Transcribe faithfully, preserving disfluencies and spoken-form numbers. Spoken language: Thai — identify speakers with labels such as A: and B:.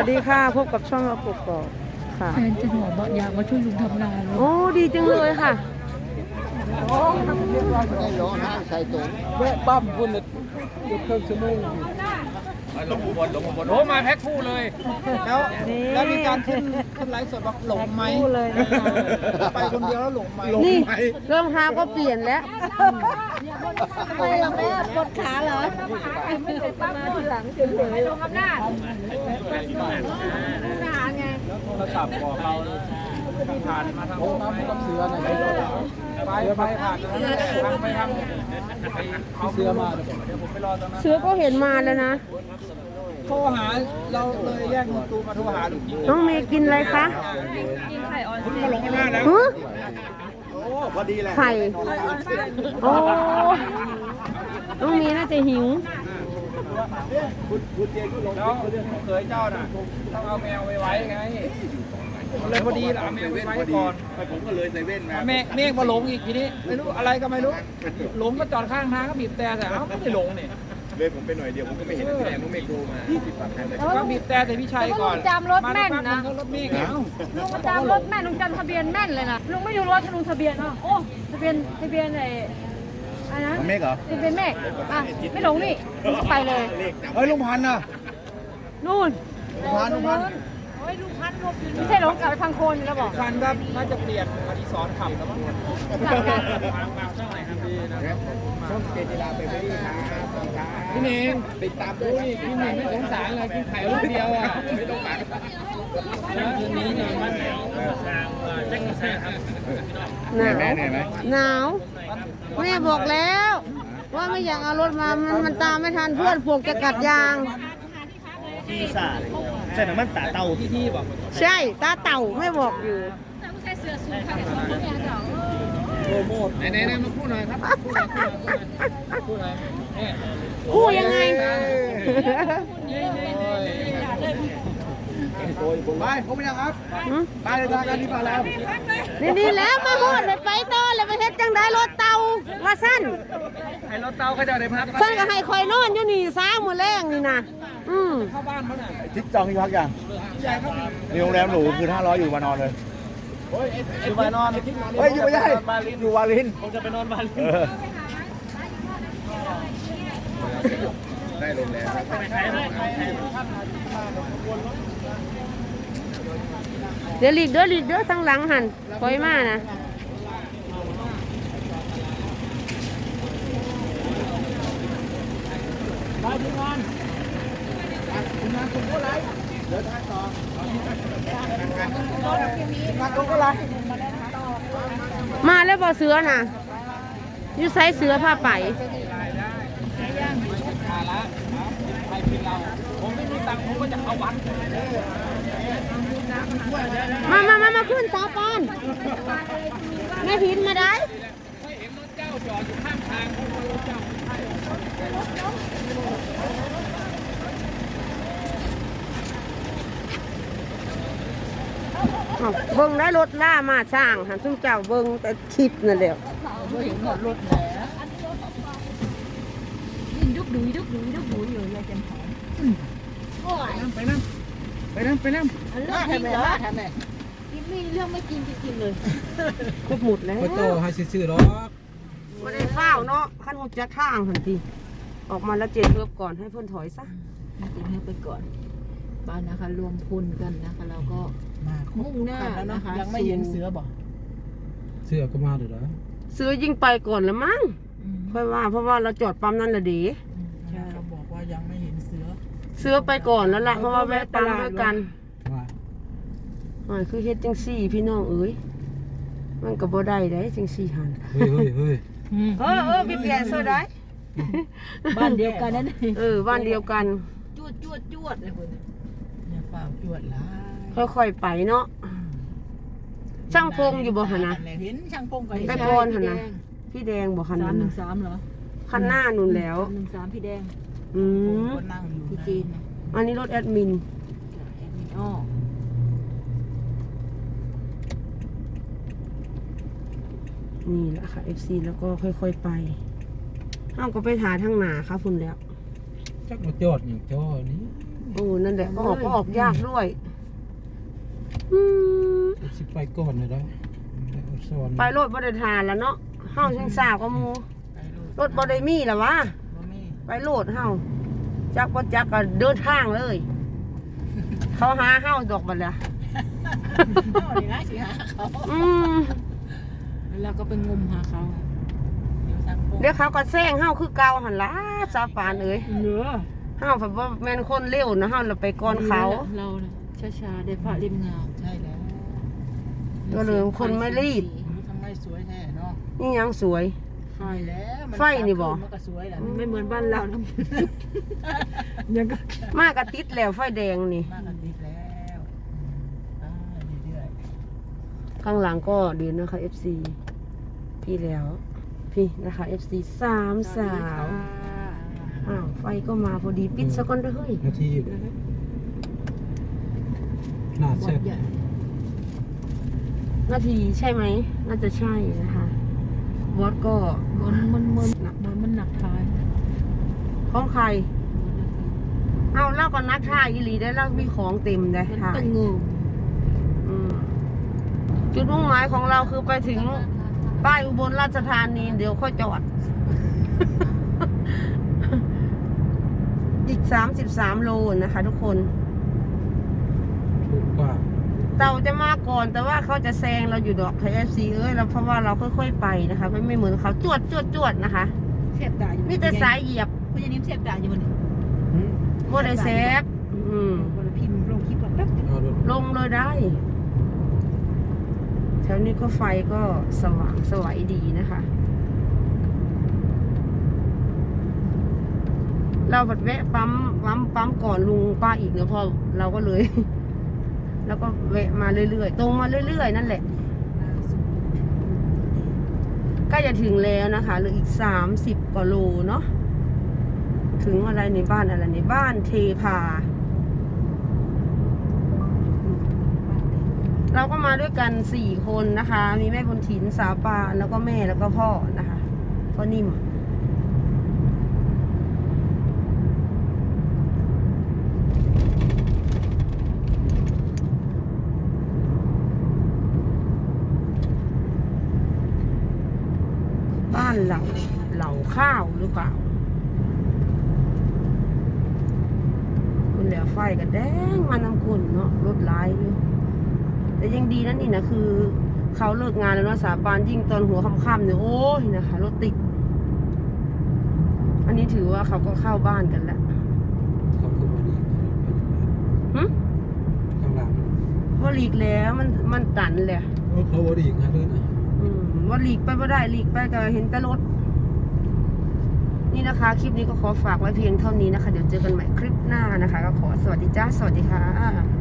A: วัสดีค่ะพบกับช่องเราปกกอกค่ะ
B: แฟนจะหอบอกอยากมาช่วยลุงทำนาเลย
A: โอ้ดีจังเลยค่ะ
C: ได้ร้องไห้ใส่ตุ๋น
D: แม่ปั๊มคุณเนี่ยเกือบครึ่งชั่วโมงหลงอุบลหลงอุบลโอ้มาแพ็คคู่เลย
C: แล้วแล้วมีการขึ้นขึ้นไลฟ์สดบอกหลงไหม
A: พูดเลยนะคะ
C: ไปคนเดียวแล้วหลงไหม
A: นี่รองเท้าก็เปลี่ยนแล้ว
B: ทำไมล่ะแม่ปวดขาเหรอไม่ได้ปั๊มมาทีหลังเฉยๆลงอำนาจทหารไง
D: โทรศัพท์บอกเราผ่านมาทาง
C: โอ้มาไม่ต้องเสือหน่อย
D: ไปไปผ่านทางไปทางเอาเสือมาเดี๋ยวผมไปรอตรงนั้น
A: เสือก็เห็นมาแล้วนะ
C: โทรหาเราเลยแยกเงินตูมาโทรหาลุง
A: น้องเมย์กินอะไรคะ
D: คุณมาหลงกันมาแล้ว
A: ฮึ
C: โอ้พอดีแหละ
A: ไข่โอ้น้องเมย์น่าจะหิว
C: คุณคุณเจคุณหลง
D: แล้วเคยเจ้าน่ะต้องเอาแมวไปไว้ไงเลยพอดีละเอาแมวไปไว้ก่อน
C: ผมก็เลยใส่เว่นมา
D: เมฆเมฆมาหลงอีกทีนี้ไม่รู้อะไรก็ไม่รู้หลงก็จอดข้างทางก็บีบแต่แต่เอ้าไม่ได้หลงนี่
C: เลยผมไปหน่อยเดียวผมก็ไม่เห็นแสดงว่าเมฆโทรมายี่สิบกว่าคันเลย
D: ก็บีบแต่แต่พี่ชัยก่อน
B: ลุงจำรถแม่นนะ
D: รถเมฆเอ้า
B: ลุงจำรถแม่นลุงจำทะเบียนแม่นเลยนะลุงไม่ดูรถลุงทะเบียนอ่ะโอ้ทะเบียนทะเบียนไอ้อะไรนะ
C: เมฆเหรอ
B: ทะเบียนเมฆอ่ะไม่หลงนี่ไปเลย
C: เฮ้ยลุงพันธ์น่ะ
A: นู่น
C: ลุงพันธ์ลุงพันธ์
B: ไม่ใช่หลงกลับไปพังโคนอยู่แล้วบอก
D: คันก็น่าจะเปลี่ยนอดิศรขับแล้วมั้ง
C: ช่องเจติลาไปไม่ได้ครับ
D: พี่เน่ง
C: ติดตามด้
D: โอ้
C: วย
D: ยพี่เน่งไม่สงสารเลยกินไข่ลูกเดียวอ่ะไม่ต้องการคืนนี้นอนบ้านแถวแจ็คแซ่ครับ
A: หนาว
C: แม่เหนื่อยไหม
A: หนาวแม่บอกแล้ว ว่าไม่อยากเอารถมามันมันตามไม่ทันเพื่อนพวกจะกัดยาง
C: ที่สาใส่น้ำมันตาเต่า
D: พี่ที่บอก
A: ใช่ตาเต่าไม่บอกอยู่
D: โปรโมทไหนไหนมาพูดหน่อยครับพูดหน่อยพูดหน่อย
A: คู่ยังไง
C: ไปผมไม่ยังครับ
A: หืม
C: ไปเลยทางการที่มาแล้ว
A: นี่นี่แล้วมาโหดเลยไปต่อเลยไปเฮ็ดจังได้รถเต่าว่าสั้น
D: ให้รถเตาเขาจะได้พัก
A: สั้นก็ให้คอยนอนอยู่นี่ซ้ามือแรงนี่นะอืม
D: เข้าบ้านเขาหน่อย
C: ทิศจองที่พักยัง
D: ใหญ่ครับ
C: มีโรงแรมหรูคือห้าร้อยอยู่มานอนเลย
D: อยู่มานอน
C: เฮ้ยอยู่ไม่ได้อยู่วาลิน
D: ผมจะไปนอนบ้าน
C: เออได้โรงแรม
A: เดี๋ยวหลีกเด้อหลีกเด้อทั้งหลังหันคอยมานะมาแล้วบ่เสือน่ะอยู่ไซเสือผ้าไป
D: มาละไปกินเราผมไม่มีตังค์ผมก็จะเอาวัด
A: มามามามาขึ้นสาปานแม่พินมาได้
D: ไม่เห็นรถเจ้าจอดอยู่ข้างทางผมรถเจ้า
A: อ้าวเบิ้งได้รถล่ามาช่างหันซุ่มเจ้าเบิ้งแต่คลิปนั่นแหละ
B: ยินดุกดุยดุกดุยดุกดุยอยู่ยายจันหอมโอ้ย
D: ไปนั่งไปนั่งไปนั่ง
B: เรื่องจริงเหรอทำไมกินไม่เรื่องไม่จริงจริงเลย
A: ครบหมดแล้ว
D: ไปโตให้ซื่อๆหรอ
A: ไม่ได้เฝ้าเนาะขั้นหุจะข้างทันทีออกมาแล้วเจนเพิ่มก่อนให้เพื่อนถอยซะ
B: กินให้ไปก่อนบ้านนะคะ รวมพลกันนะคะเราก็มุ่งหน้านะคะ
C: ยังไม่เห็นเสือบอก
D: เสื้อก็มาเดี๋ยวนะ
A: ซื้อยิงไปก่อนละมั้งค่อยว่าเพราะว่าเราจอดปั๊มนั่นแหละดี
C: เขาบอกว่ายังไม่เห็นเสือ
A: เสื้อไปก่อนแล้วล่ะเพราะว่าแวะปั๊มด้วยกัน
D: ว่า
A: อ่าคือเฮ็ดจังซี่พี่น้องเอ้ยมันก็บ่ได้ได้จังซี่หัน
D: เฮ้ยเฮ้ยเฮ้ย
A: เออเออพี่เปลี่ยนเสื้อได้
B: บ้านเดียวกันนั่น
A: เออบ้านเดียวกัน
B: จวดจวดจวดเลยคุณ
C: อย่าเปล่าจวดละ
A: ค่อยๆไปเนาะช่างพงอยู่บ่หั่นนะ
C: เห็นช่างพงก็
A: ไปก่อนหั่นนะพี่แดงบ่คัน
B: สาม
A: นั้น
B: หนึ่
A: น่ะ
B: งสามเหรอ
A: คันหน้านู่นแล้ว
B: สามหนึ่งสามพี่แดง
A: อืม
C: นั่งอยู่
B: พี่จีนนะ
A: อันนี้รถแอดมิน
B: แอดมินอ้อ
A: นี่แหละค่ะ เอฟ ซี แล้วก็ค่อยๆไปห้ามก็ไปหาทางหนาค่ะพุ่นแล้ว
D: จักมาจอดอย่างจอนี้
A: โอ้นั่นแหละก็ออกก็ออกยากด้วยอืม
C: สิไปก่อนเลยนะสอน
A: ไปรถบริทานแล้วเนาะเฮาช่างสาวก็มูรถบริมีแล้ววะไปโลดเฮาจักบ่จักก็เดินทางเลย เขาหาเฮาดอกบัดละอืม
B: แล้วก็ไปงมหาเขา
A: เดี๋ยวเขาก็แซงเฮาคือเก่าหั่นล่ะสาปานเอ้ย
B: เหลือ
A: เฮาแบบว่าแม่นคนเร็วนะเฮาเราไปก่อนเขา
B: เราเนี่ยช้าๆได้พระริมงาม
E: ใช่แล้ว
A: ก็เลยคนไม่รีบ
E: ทำไมสวยแท้เนาะ
A: นี่ยังสวย
E: ไฟแล้วมั
A: ไฟนี่บ่
E: มันก็สวยแหละ
B: ไม่เหมือนบ้านเรานะยังก็
A: มากระติดแล้วไฟแดงนี่
E: มากกันติดแล้วอ่าเรื่อย
A: ข้างหลังก็ดีนะคะ เอฟ ซี พี่แล้ว พี่นะคะ เอฟ ซี สามสาวอ้าวไฟก็มาพอดีปิดซะก่อนเด้อเฮ้ย
C: นาทีหน้าเสร็จ
A: นาทีใช่ไหม น่าจะใช่นะคะวอดก็
B: มันมันมันหนักมันมันหนักท้าย
A: ของใคร เอาเล่าก่อนนักท่ายอีหลีได้เล่ามีของเต็มเลย
B: มัน
A: ค่ะ
B: ตึงงู
A: อืมจุดมุ่งหมายของเราคือไปถึงป้ายอุบลราชธานีเดี๋ยวค่อยจอด อีกสามสิบสามโลนะคะทุกคน
C: ถูกกว่า
A: เต่าจะมาก่อนแต่ว่าเขาจะแซงเราอยู่ดอกไทยเอฟซีเอ้ยเราเพราะว่าเราค่อยๆไปนะคะ ไม่ไม่เหมือนเขาจวดจวดจวดนะคะ
B: เสียบตาอยู่
A: มีแต่สายเหยียบ
B: คุณยายนิ่มเสียบตาอยู่บนนี้
C: หืม
A: โมได้เซฟอืม
B: บนพิมพ์ลงคลิปก่อนแป๊บนึง
C: เอารถ
A: ลงเลยได้แถวนี้ก็ไฟก็สว่างสวยดีนะคะ เราบัดแวะปั๊มปั๊มปั๊มก่อนลุงป้าอีกเนาะพอเราก็เลย แล้วก็แวะมาเรื่อยๆตรงมาเรื่อยๆนั่นแหละใกล้จะถึงแล้วนะคะเหลืออีกสามสิบกว่าโลเนาะถึงอะไรในบ้านอะไรในบ้านเทพา เราก็มาด้วยกันสี่คนนะคะ มีแม่บุญถินสาวปานแล้วก็แม่แล้วก็พ่อนะคะพ่อนิ่มบ้านเหล่าเหล่าข้าวหรือเปล่าคุณเหลือไฟกันแดงมานำคุณเนาะรถหลายอยู่แต่ยังดีนั่นนี่นะคือเขาเลิกงานแล้วเนาะสาปานยิ่งตอนหัวค่ำๆเนี่ยโอ้ยนะคะรถติดอันนี้ถือว่าเขาก็เข้าบ้านกันแล้ว
C: เขาคือมาดี
A: หึ
C: ข้างหลัง
A: ว่าหลีกแล้วมันมันตันเลย
C: โอ้เขาบดีนะด้วยนะ
A: อืมว่าหลีกไปไม่ได้หลีกไปก็เห็นแต่รถนี่นะคะ คลิปนี้ก็ขอฝากไว้เพียงเท่านี้นะคะ เดี๋ยวเจอกันใหม่คลิปหน้านะคะ ก็ขอสวัสดีจ้าสวัสดีค่ะ